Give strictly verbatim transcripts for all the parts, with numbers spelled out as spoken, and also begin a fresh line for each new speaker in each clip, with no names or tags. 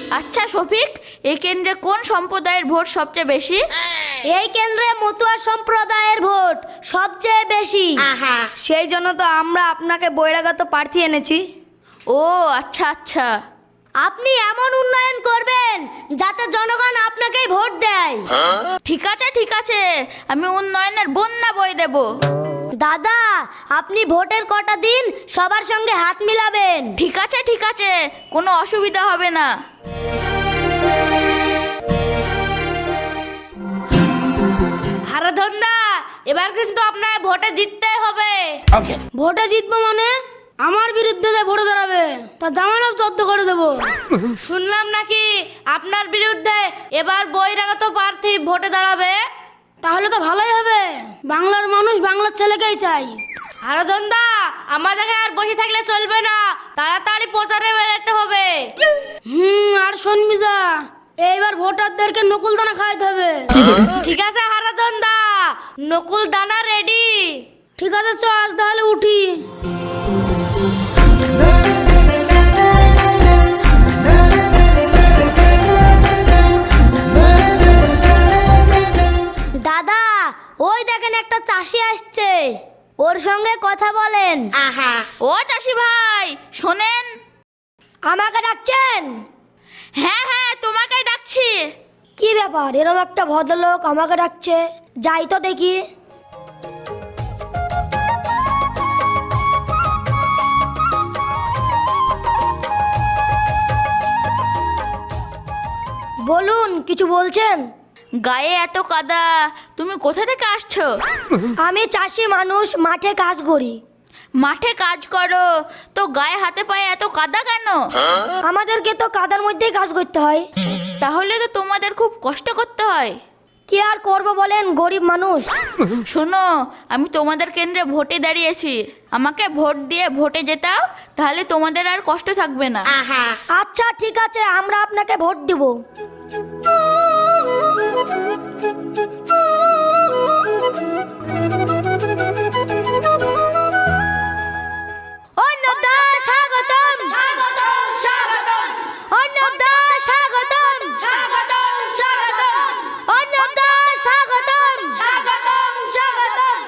আচ্ছা শফিক, এই কেন্দ্রে কোন সম্প্রদায়ের ভোট সবচেয়ে বেশি?
এই কেন্দ্রে মতুয়া সম্প্রদায়ের ভোট সবচেয়ে বেশি। সেই জন্য তো আমরা আপনাকে বহিরাগত প্রার্থী এনেছি।
ও আচ্ছা আচ্ছা।
আপনি এমন উন্নয়ন করবেন যাতে জনগণ আপনাকেই ভোট দেয়।
ঠিক আছে ঠিক আছে, আমি উন্নয়নের বন্যা বই দেব।
দাদা, আপনি ভোটের কটা দিন সবার সঙ্গে হাত মিলাবেন।
ঠিক আছে ঠিক আছে, কোনো অসুবিধা হবে না। হারাধনদা, এবার কিন্তু আপনার ভোটে জিততে হবে।
ভোটে জিতবো মানে? আমার বিরুদ্ধে যে ভোটে দাঁড়াবে তা জামানত জব্দ করে দেবো।
শুনলাম নাকি আপনার বিরুদ্ধে এবার বহিরাগত প্রার্থী ভোটে দাঁড়াবে।
তাহলে তো ভালোই হবে, বাংলার মানুষ বাংলার ছেলেকেই চাই।
হারাধনদা, আমাদেরকে আর বসে থাকলে চলবে না, তাড়াতাড়ি প্রচারে বেরোতে হবে।
হুম, আর শুনবি যা, এইবার ভোটারদেরকে নকুল দানা খাওয়াতে হবে।
ঠিক আছে হারাধনদা, নকুল দানা রেডি।
ঠিক আছে, চ আজ তাহলে উঠি। দাদা, ওই দেখেন একটা চাষি আসছে, ওর সঙ্গে কথা বলেন।
ও চাষি ভাই শোনেন।
আমাকে ডাকছেন?
হ্যাঁ হ্যাঁ, তোমাকেই ডাকছি।
কি ব্যাপার, এরকম একটা ভদ্রলোক আমাকে ডাকছে? যাই তো দেখি। বলুন, কিছু বলছেন?
গায়ে এত কাদা, তুমি কোথা থেকে আসছো?
আমি চাষি মানুষ, মাঠে কাজ করি।
মাঠে কাজ করো তো গায়ে হাতে পায়ে এত কাদা কেন?
আমাদেরকে তো কাদার মধ্যেই কাজ করতে হয়।
তাহলে তো তোমাদের খুব কষ্ট করতে হয়।
কি আর করবো বলেন, গরিব মানুষ।
শোনো, আমি তোমাদের কেন্দ্রে ভোটে দাঁড়িয়েছি, আমাকে ভোট দিয়ে ভোটে জেতাও, তাহলে তোমাদের আর কষ্ট থাকবে না।
আচ্ছা ঠিক আছে, আমরা আপনাকে ভোট দিব। অন্নদা স্বাগতম, স্বাগতম, স্বাগতম। অন্নদা স্বাগতম, স্বাগতম, স্বাগতম। অন্নদা স্বাগতম, স্বাগতম, স্বাগতম।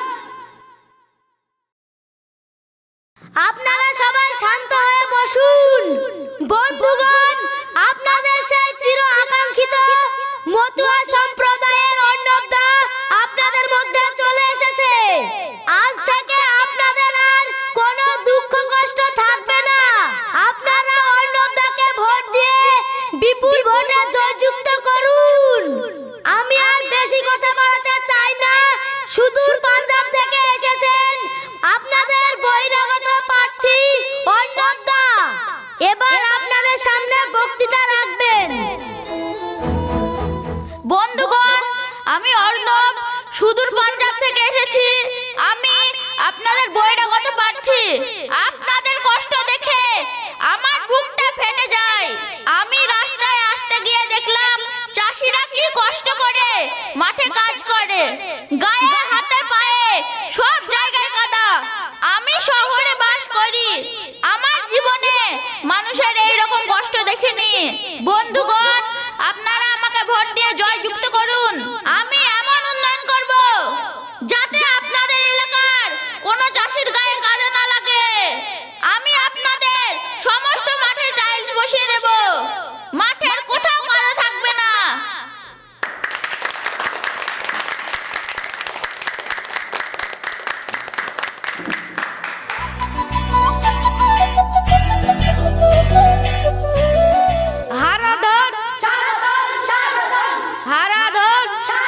আপনারা সবাই শান্ত হয়ে বসুন। বন্ধুগণ, আপনাদের সেই চির আকাঙ্ক্ষিত মতুয়া সম্প্রদায়ের অন্নদা আপনাদের মধ্যে চলে এসেছে। আজ থেকে আপনাদের আর কোনো দুঃখ কষ্ট থাকবে না। আপনারা অন্নদাকে ভোট দিয়ে বিপুল ভোটে জয়যুক্ত করুন। আমি আর বেশি কথা বলতে চাই না। সুদূর পাঞ্জাব থেকে এসেছেন আপনাদের বহিরাগত প্রার্থী অন্নদা, এবার আপনাদের সামনে বক্তৃতা রাখবেন।
বন্ধুগণ, আমি অর্ণব, সুদূর পাঞ্জাব থেকে এসেছি। আমি আপনাদের বহিরাগত প্রার্থী। আপনাদের কষ্ট দেখে আমার বুকটা ফেটে যায়। আমি রাস্তায় আসতে গিয়ে দেখলাম চাষিরা কি কষ্ট করে মাঠে কাজ করে, গায়ে হাতে পায়ে সব জায়গায় কাদা। আমি শহরে বাস করি, আমার জীবনে মানুষের এই রকম কষ্ট দেখিনি। বন্ধুগণ, আপনারা আমাকে ভোট দিয়ে জয়যুক্ত করুন। আমি এমন উন্নয়ন করব যাতে আপনাদের এলাকার কোনো চাষির গায়ে কাদা না লাগে। আমি আপনাদের সমস্ত মাঠে টাইলস বসিয়ে দেব, মাঠের কোথাও কাদা থাকবে না। হারাধন, হারাধন,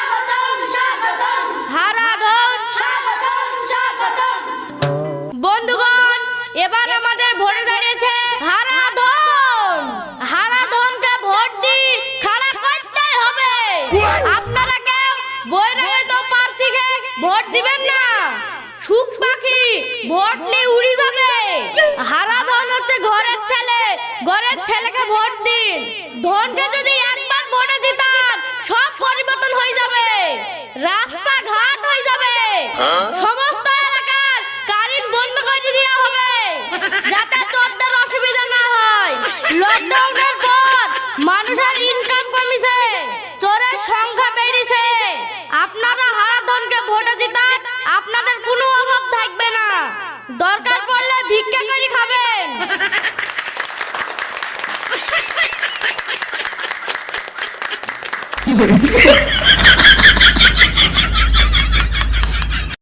হারাধন। বন্ধুগণ, এবার আমাদের ভোটে দাঁড়িয়েছে হারাধন। হারাধনকে ভোট দিয়ে খাড়া করতে হবে। আপনারা কেউ বহিরাগত প্রার্থীকে ভোট দিবেন না। সুখ পাখি ভোট নিয়ে উড়ে যাবে। হারাধন হচ্ছে ঘরের ছেলে, ঘরের ছেলেকে ভোট দিন। ধনকে যদি একবার ভোটে দিতাম সব পরিবর্তন হয়ে যাবে, রাস্তাঘাট হয়ে যাবে, সমস্ত এলাকার কারেন্ট বন্ধ করে দেওয়া হবে যাতে চোরদের অসুবিধা না হয়। লকডাউনের পর মানুষ দরকার পড়লে ভিক্ষা করে খাবেন।
কি